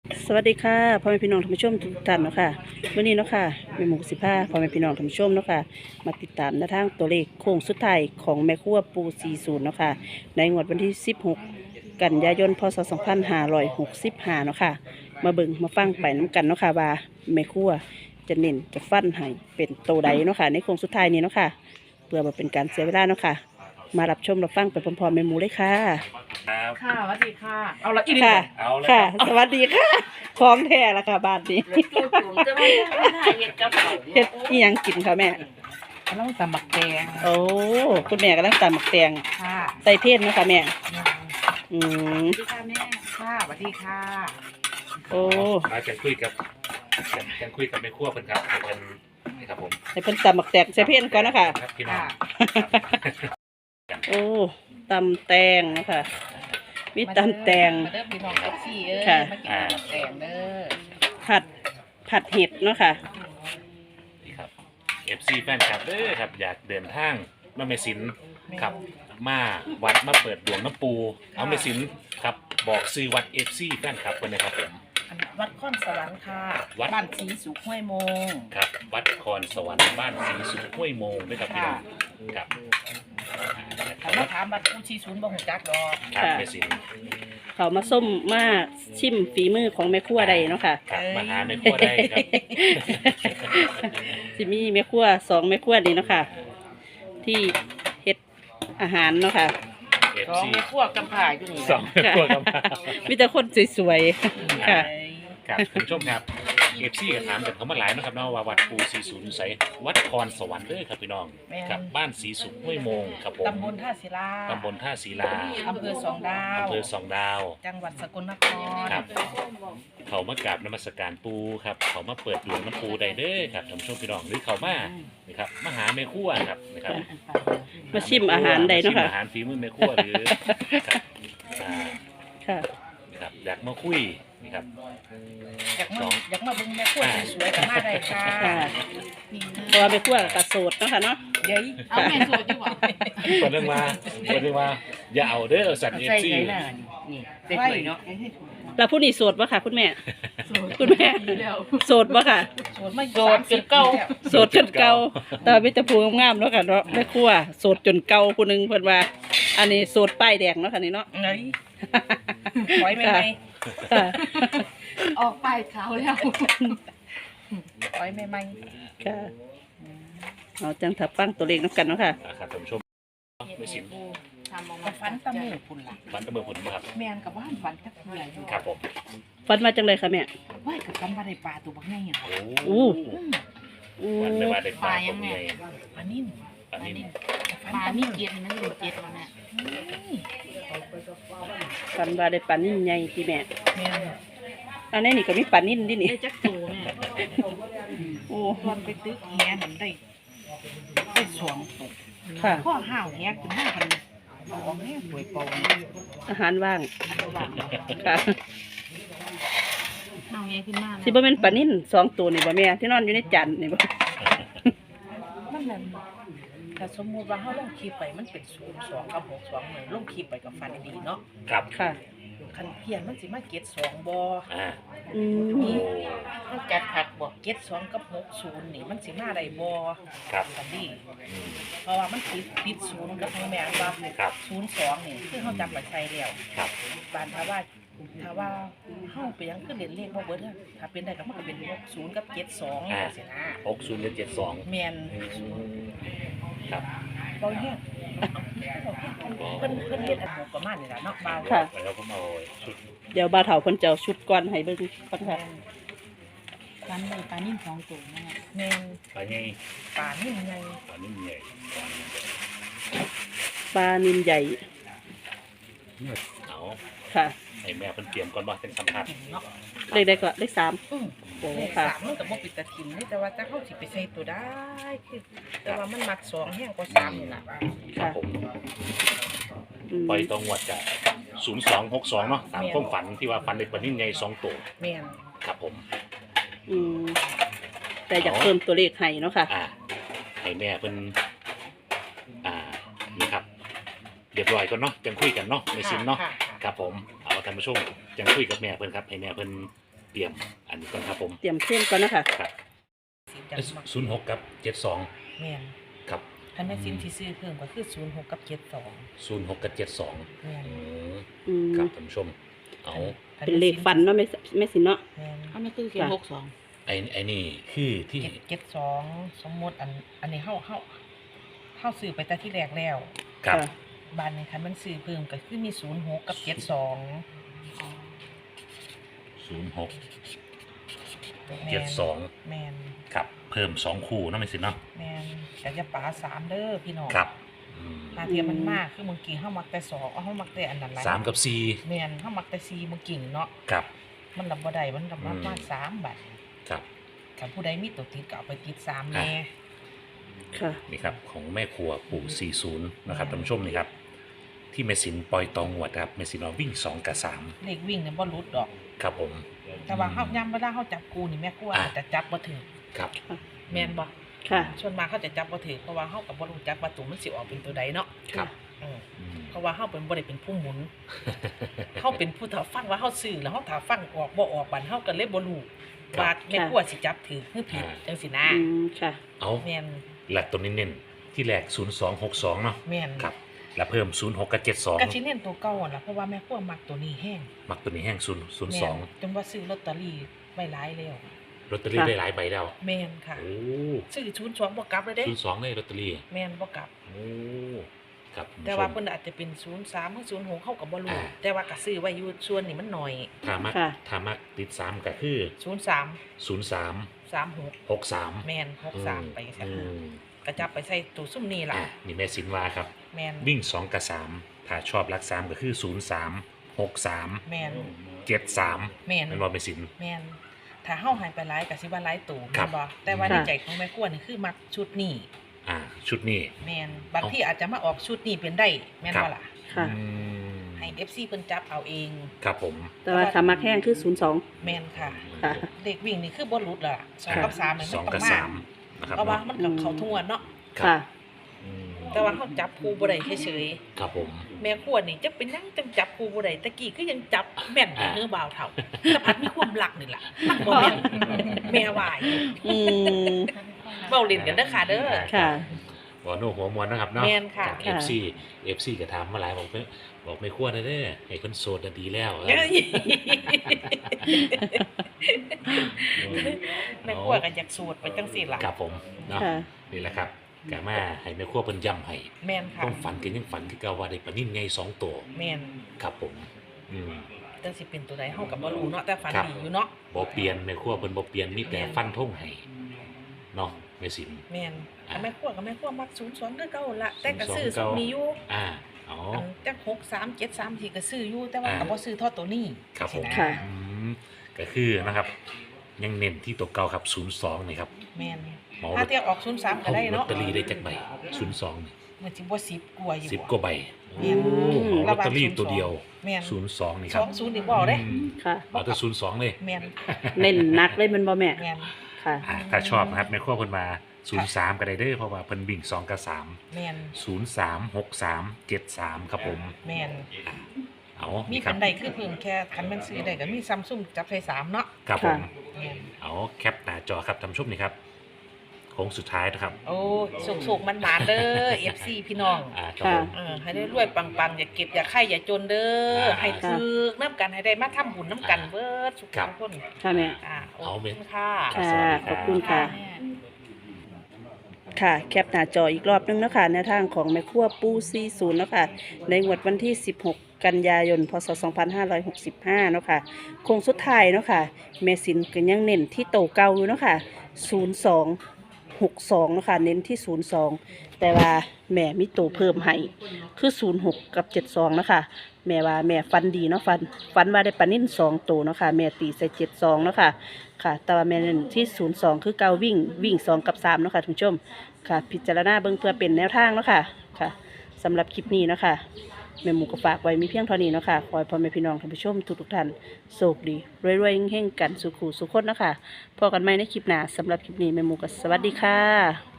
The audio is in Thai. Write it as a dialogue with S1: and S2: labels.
S1: สวัสดีค่ะพ่อแม่พี่น้องท่านผู้ชมทุกท่านเนาะค่ะวันนี้เนาะค่ะแม่หมู15พ่อแม่พี่น้องท่านผู้ชมเนาะค่ะมาติดตามแนวทางตัวเลขโค้งสุดท้ายของแม่ครัวปู40เนาะค่ะในงวดวันที่16กันยายนพศ2565เนาะค่ะมาเบิ่งมาฟังไปน้ำกันเนาะค่ะว่าแม่ครัวจะเน้นจะฟันให้เป็นตัวใดเนาะค่ะในโค้งสุดท้ายนี้เนาะค่ะเพื่อมาเป็นการเสียเวลาเนาะค่ะมารับชมรับฟังไปพร้อมๆแม่หมูเลยค่ะ
S2: ครับ
S3: ค่ะสวัสดีค่ะ เอาละอีก
S1: ค่ะ
S2: เอาเลย
S1: ค่ะ
S2: ครับ
S1: สวัสดีค่ะพร้อมแท้แล้วค่ะบ้านนี้
S3: ผมจะมาถ่ายเห็ดกระเพรา
S1: เฮ็ดอีหยังกินค่ะแม่
S3: กำลังตำบักแดง
S1: โอ้คุณแม่กำลังตำหมักแตง
S3: ค่ะ
S1: ใส่เทศนะคะแม่ อืม
S3: สวัสดีค่ะแม่ค่ะสวัสดีค่ะ
S1: โอ้
S2: มาจะคุยกับแม่ครัวเพิ่นครับเป็นนี่ครับผม
S1: ให้เพิ่นตำหมักแตงใส่เทศก่อนนะคะ
S2: ครับพี่น้อง
S1: โอ้ตำแตงนะคะมีตำแตง
S3: มาเด้อพี่น้องกับซี่เอ้ย
S1: ค่ะ
S3: มากินตำบักแดงเด้อ
S1: ผัดเห็ดเนาะค่ะ
S2: นี่ครับ FC แฟนคลับเด้อครับอยากเดินทางมาเมสินครับมาวัดมาเปิดดวงน้ำปูเอาเมสินครับบอกซื้อวัด FC แฟนคลับเพิ่นนะครับผม
S3: อันวัดข้อนสวรรค์ค่ะ
S2: วัด
S3: บ้านศรีสุขห้วยโมง
S2: ครับวัดคอนสวรรค์บ้านศรีสุขห้วยโมงด้วยครับพี่น้องครับ
S3: ถ้ามาถามบัดผู้ชี้ศูนย์บ่ฮู้จักดอก
S2: ครับ
S1: ค่ะ
S2: เมสิน
S1: เขามาส้มมาชิมฝีมือของแม่ครัวใดเนาะค่ะ
S2: ครับมาหาแม่ครัวได้ครับ
S1: สิมีแม่ครัว2แม่ครัวนี่เนาะค่ะ ที่เฮ็ดอาหารเนาะค่ะ
S3: สอง
S2: FC
S3: แม่ครัวกำผ่าอยู่นี่
S2: สองแม่ครัวครับ
S1: มีแต่คนสวยๆค่ะ
S2: ครับคุณผู้ชมครับเอฟซีก็ถามกันเขามาหลายนะครับเนาะว่าวัดปู40ใสวัดคอนสวรรค์เด้อครับพี่น้องครับบ้านศรีสุขห้วยโมงครับผม
S3: ตำบลท่าศิลา
S2: ตำบลท่าศิลา
S3: อำเภอสองดาว
S2: อำเภอสองดาว
S3: จังหวัดสกลนคร
S2: ครับเขามากราบนมัสการปูครับเขามาเปิดดวงน้ำปูได้เด้อครับท่านผู้ชมพี่น้องหรือเขามานะครับมาหาแม่ครัวครับนะครับ
S1: มาชิมอาหารใดเนาะ
S2: ชิม
S1: ค่ะ
S2: อาหารฝีมือแม่ครัวหรือครับ
S1: ค่ะ
S2: นะครับอยากมาคุยนี่ครับ
S3: อยากมาเบิ่งแม่ครัวสวยๆกันมาได้ค่ะ
S1: ค่ะเพราะว่าแม่ครัวกระโสดเนาะค่ะเนาะ
S3: เดี๋ยวเอาแม่สวยดีกว่า
S2: เปิดเรื่องมาอย่าเอาเด้อสัตว์เอฟซี
S3: นี่เด็กเลยเนาะ
S1: แล้วผู้นี้โสดปะค่ะคุณแม่ คุณแม่โสดปะค่ะ
S3: สวยไม่โสดจนเก่า
S1: โสดจนเก่าแต่ว่ามีแต่ผู้งามๆเนาะค่ะเนาะแม่ครัวโสดจนเก่าผู้หนึงเพิ่นว่า อันนี้โสดป้ายแดงเนาะค่ะนี่เนาะ
S3: ไงปล่อยไม่ไหม
S1: ค่ะ
S4: ออกไปเขาแล้ว
S3: ปล่อยไม่ไหม
S1: ค่ะเราจังถับฟังตัวเลขน้ำกันเนาะค่ะ
S2: ครับท่านผู้ชมไม่สิน
S4: ทำออก
S3: กั
S4: มา
S3: บฟันตะมูพุ่นล่ะ
S2: ฟันตะเมือผลมาครับ
S3: แมนกับบ้านฟันกับเพื่อนอยู่
S2: ครับผม
S1: ฟันมาจังเลยค่ะแม่
S3: ว่ากับฟันมาได้ปลาตัวบักไงอ่ะ
S2: โอ้
S1: อู้
S2: วันไม่ว่าได้ปลาตรงไหน
S3: ปลานิ่ม
S2: ปลานิ่ม
S4: ปลานี่เกียรนะอยู่เจ็ดแล้วแม่
S1: ฟันว่าได้ปลานิ่มใหญ่ที่แม่
S3: แมน
S1: อันนี้นี่ก็มีปลานิ่มดินี่
S4: ได้จักตูแม่
S1: โอ้
S3: ตอนไปตึกแหนั่นได้สองตก
S1: ค่ะ
S3: ข้อห้าวแหขึ้นมาพันเอาแม่ป่วยเป่า
S1: อาหารว่าง
S3: ว่าง
S1: ค่ะ
S4: เอาไงขึ้นมานะ
S1: สิบ่เป็นปลานิ่ม2ตัวนี่บ่แม่ที่นอนอยู่ในจานนี่บ่
S3: มันนั่นถ้าสมมุติว่าเขาลงคลิปไปมันเป็น02กับ62เลยลงคลิปไปกับฟันดีเนาะ
S2: ครับ
S1: ค่ะ
S3: คันเพียนมันสิมาเก็ต2บ่
S2: อ่า
S1: อืม
S2: โอ้
S3: มันจัดผักบ่เก็ต2กับ60นี่มันสิมาได้บ่
S2: ครับ
S3: คันนี้
S2: อืม
S3: เพราะว่ามันติด0กับแม่นว่า
S2: ครับ
S3: 02นี่คือเขาจับมาใช้แล้ว
S2: ครับ
S3: บานถ้าว่าเฮาไปยังคือเล่นเลขบ่เบิดอะถ้าเป็นได้ก็มันก็เป็น60กับ72จังซี่นะ
S2: 60หรือ72
S3: แม่น
S2: ครับ
S3: บ่แฮงเพิ่นเฮ็ดอันประมาณนี้ล่ะเนาะบ่าว
S1: ค่ะ
S2: แล้วผมเอาชุด
S1: เดี๋ยวบ่าวเฒ่าเพิ่นจะเอาชุดก่อนให้เบิ่งก่อนค่ะ
S4: ปลาเลยปลานิ่มสองตัวแม่
S3: แม่น
S2: ปลาใหญ่
S3: ป่านิ่มใหญ่
S2: ปลานิ่มใหญ่
S1: ปลานิลใหญ่
S2: เอา
S1: ค่ะ
S2: ให้แม่เพิ่นเตรียมก่อนว่าจังสัมผัส
S3: เนาะ
S1: เลขใดก็เลข3 โอ้
S3: เลข
S1: ค่ะ
S3: 3มันก็บ่ปิดตาทิมนี่แต่ว่าถ้าเฮาสิไปใส่ตัวได้คือแต่ว่ามันมัก2แฮงกว่า3นี่ล่ะ
S2: ครับผม
S1: อืม
S2: ปล่อยตรงวัดจาก0262เนาะตามความฝันที่ว่าฝันได้ปลานิ่มใหญ่2ตัว
S3: แม่น
S2: ครับผม
S1: อืมแต่อยากเพิ่มตัวเลขให้เนาะค่ะ
S2: ให้แม่เพิ่นนี่ครับเรียบร้อยก่อนเนาะจังคุยกันเนาะในซิมเนาะ
S3: ค่ะ
S2: ครับผมเอาท่านผู้ชมจังคุยกับแม่เพิ่นครับให้แม่เพิ่นเตรียมอันนี้ก่อนครับผม
S1: เตรียมเข้มก่อนนะคะ
S2: ครับ
S3: สิจังมัก
S2: 06กับ72
S3: แม่น
S2: ครับ
S3: คันแม่ซิมที่ซื้อเพิ่มก็คือ06กับ72
S2: 06กับ72
S3: แม่น
S1: อืม
S2: ครับท่านผู้ชมเอา
S3: คั
S1: เป็นเลขฟันเนาะแม่สินเนาะ
S3: แม่น
S4: เขาไม่ตื้อเขียน
S1: ค่ะ
S4: 62
S2: ไอ้นี่คือที่
S3: 72สมมุติอันนี้เฮาซื้อไปแต่ที่แรกแล้ว
S2: ครับ
S1: ค่ะ
S3: บ้านนี้คันมันซื้อเพิ่มก็คือมี06กับ72
S2: 06
S3: แม่น
S2: 72
S3: แม่น
S2: ครับเพิ่ม2คู่เนาะแม่สินเนาะ
S3: แม่นแต่จะป๋า3เด้อพี่น้อง
S2: ครับอืม
S3: หาเทียมมันมากคือเมื่อกี้เฮามักแต่2เฮามักแต่อันนั้นหลาย
S2: 3กับ
S3: แม่นเฮามักแต่4เมื่อกี้เนาะ
S2: 4ครับ
S3: มันรับบ่ได้มันรับมา
S2: อืม
S3: มา3บาท
S2: ครับ
S3: ถ้าผู้ใดมีตัวติดก็เอาไปติด3แน่
S1: ค่ะ
S2: นี่ครับของแม่ครัวปู่40นะครับท่านผู้ชมนี่ครับที่แม่สินปล่อยตองหวดครับแม่สินเอาวิ่ง2กับ3
S3: เลขวิ่งเนี่ยบ่หลุดดอก
S2: ครับผม
S3: แต่ว่าเฮายามเวลาเฮาจับกูนี่แม่กลัวอาจจะจับบ่ถึง
S2: ครับ
S3: แม่นบ่
S1: ค่ะ
S3: ส่วนมากเขาจะจับบ่ถึงเพราะว่าเฮาก็บ่รู้จักว่าตัวมันสิออกเป็นตัวใดเนาะ
S2: ครับ
S3: เออ
S2: อืม
S3: เพราะว่าเฮาเป็นบ่ได้เป็นผู้หมุน เฮาเป็นผู้ถ้าฟังว่าเฮาซื้อแล้วเฮาถ้าฟังออกบ่ออกบัดเฮาก็เลยบ่รู้ว่าแม่กลัวสิจับถือหรือผิดจังซี่นะ
S1: อืมค่ะ
S2: เอา
S3: แม่น
S2: หลักตัวนี้เน้นที่แรก0262เนาะ
S3: แม่น
S2: ครับแล้วเพิ่ม06กับ
S3: ก็สิ
S2: 72
S3: เน้นตัวเก่าหั่นล่ะเพราะว่าแม่กลัวมักตัวนี้แฮง
S2: มักตัวนี้แห้ง
S3: แม่น
S2: 002
S3: จนว่าซื้อลอตเตอรี่ไว้หลายแล้ว
S2: ลอตเตอรี่
S1: ค่ะ
S2: ได้หลายใบแล้ว
S3: แม่นค่ะ
S2: โอ้
S3: ซื้อ02บ่กลับเลยเด้
S2: 02เลยลอตเตอรี่
S3: แม่นบ่กลับ
S2: โอ้ครับคุณ
S3: แต่
S2: ผู้ช
S3: ว่าม เพิ่นอาจจะเป็น03หรือ06เขาก็บ่รู้
S2: อ่า
S3: แต่ว่าก็ซื้อไว้อยู่ส่วนนี้มันน้อย
S2: ถ้ามัก
S1: ค่ะ
S2: ถ้ามักติด3ก็คือ
S3: 03
S2: 03
S3: 36
S2: 63
S3: แม่น63ไปซะ
S2: อืม
S3: ก็จับไปใส่ตู้ซุ่มนี่ล่ะ
S2: อ่ะนี่แม่สินวาครับ
S3: แม่น
S2: วิ่ง2กับ3ถ้าชอบรัก3ก็คือ03 63
S3: แม่น
S2: 73
S3: แม่น
S2: มันว่าแม่สิน
S3: แม่นถ้าเฮาหายไปหลายก็สิว่าหลายตู้
S2: ครั
S3: แม่
S2: บ
S3: นบ่แต่ว่าใน
S1: ค่ะ
S3: ใจของแม่กวนนี่คือมักชุดนี้
S2: ชุดนี้
S3: แม่นบางที่อาจจะมาออกชุดนี้เป็นได้แม่น
S2: ครับ
S3: บ่ล่ะ
S1: ค่ะ
S2: อืม
S3: ให้ FC เพิ่นจับเอาเอง
S2: ครับผม
S1: แต่ว่าขามักแห้งคือ02
S3: แม่นค่ะ
S1: ค่ะ
S3: เด็กวิ่งนี่คือบ่หลุดล่ะ2กับ3นี่มัน
S2: 2
S3: ต้
S2: กั
S3: อบ งมา
S2: 3นะครับ
S3: เพราะว่า
S2: เนาะ
S3: มันกับเขาทั้งวันเนาะ
S1: ค่ะ
S2: อืม
S3: แต่ว่าเขาจับครูบ่ได้เฉย
S2: ครับผม
S3: ๆแม่ขวดนี่จะเป็นหยังจังจับครูบ่ได้ตะกี้คือยังจับแม่นอยู่เนื้อบ่าวเฒ่าแต่พัดมีความรักนี่ล่ะมันบ่แม่นแม่ว่าอยู่
S1: อืม
S3: เว้าเล่นกันเด้อค่ะเด้อ
S1: ค่ะ
S2: หัวโนหัวมวนนะครับเนาะ
S3: แม่นค่ะ
S2: จาก
S1: ค่ะ
S2: FC ก็ถามมาหลายบอกไม่ควรนะเด้อให้คนโสดน่ะดีแล้ว
S3: เอ้ยแม่ขวดก็อยากสูตรไปจังซี่ล่ะ
S2: ครับผมเนาะ
S1: ค่ะ
S2: นี่แหละครับกามาให้แม่ครัวเพิ่นย้ำให้
S3: แม่นค่ะ
S2: ต้องฝันกันยังฝันคือเก่าว่าได้ปลานิ่นไง2ตัว
S3: แม่น
S2: ครับผมอืม
S3: จังสิเป็นตัวใดเฮาก็บ่รู้เนาะแต่ฝัน
S2: ครับ
S3: ดีอยู่เนาะ
S2: บ่เปลี่ยนแม่ครัวเพิ่นบ่เปลี่ยนมีแต่
S3: แม่น
S2: ฟันธงให้เนาะแม่สิน
S3: แม่น
S2: อ่า
S3: แต่แม่ขวดก็แม่ขวดมัก02คือเก่าล่ะแต่ก็ซื้อ
S2: 02
S3: สุดนี้อยู่
S2: อ๋อ
S3: อันจัก63 73ที่ก็ซื้ออยู่แต่ว่า
S2: อ่า
S3: ก็บ่ซื้อเท่าตัวนี้
S2: ครับผม
S1: ค่ะ
S2: อืมก็คือนะครับ ยังเน้นที่ตัวเก่าครับ02นี่ครับ
S3: แม่น
S2: หมอ
S3: ถ้าเทียบออก03ก็
S2: เอา
S3: ได้
S2: ลอต
S3: เนาะ
S2: เตอรี่ได้จักใบ02นี่
S3: มันสิบ่10กว่าอยู่
S2: 10กว่าใบ
S3: แม่น
S2: โอ้เอาลอตเตอรี่ตัวเดียว
S3: แม่น
S2: 02นี่ครับ
S3: 20นี่บ่เอาเด้
S2: อืม
S1: ค่ะ
S2: เอาแต่02เลย
S3: แม่น
S1: เน้นหนักเลยแมันบ่แม่
S3: แม่น
S1: ค่ะ
S2: ถ้าชอบนะครับแม่ครัวเพิ่นมา03ก็ได้เด้อเพราะว่าเพิ่นวิ่ง2กับ3
S3: แม่น
S2: 03 63 73ครับผม
S3: แม่น
S2: เอา
S3: มี
S2: นี่ค
S3: คั
S2: รับ
S3: นใดคือเพิ่มแค่คันแม่นซื้อได้ก็มี Samsung จับใส่3เนาะ
S2: ครับผม
S3: แม่น
S2: เอาแคปหน้าจอครับท่านผู้ชมนี่ครับโค้งสุดท้ายนะครับ
S3: โอ้สุกๆมันหวานๆเด้อ FC พี่น้อง
S2: ครับผม
S3: ให้ได้รวยปังๆอย่าเก็บอย่าไข่อย่าจนเด้อให้ถึกน้ำกันให้ได้มาทำบุญน้ำกันเบิดสุขทุกคน
S1: ค่ะแม่
S3: ขอบคุณค่ะ
S2: ครับ
S1: ค่ะ
S2: สวัสดีครับ
S1: ขอบคุณค่ะ ค่ะ แคปหน้าจออีกรอบนึงเนาะคะแนวทางของแม่ครัวปู40เนาะค่ะในงวดวันที่ 16 กันยายน พศ 2565เนาะค่ะโค้งสุดท้ายเนาะค่ะแม่สินก็ยังเน้นที่โตเก่าอยู่เนาะค่ะ0262เนาะค่ะเน้นที่ 02 แต่ว่าแม่มีโตเพิ่มให้คือ06กับ72เนาะค่ะแม่ว่าแม่ฟันดีเนาะฟันว่าได้ปลานิ่น2ตัวเนาะค่ะแม่ตีใส่72เนาะค่ะค่ะ แต่ว่าแม่เน้นที่02คือเก่าวิ่ง2กับ3เนาะค่ะท่านผู้ชมค่ะ พิจารณาเบิ่งเพื่อเป็นแนวทางเนาะค่ะค่ะสำหรับคลิปนี้เนาะค่ะแม่หมูก็ฝากไว้มีเพียงเท่านี้เนาะค่ะขอให้พ่อแม่พี่น้องท่านผู้ชมทุกท่านโชคดีรวยๆเฮงๆกันสุขุสุขคนเนาะค่ะพบกันใหม่ในคลิปหน้าสำหรับคลิปนี้แม่หมูก็สวัสดีค่ะ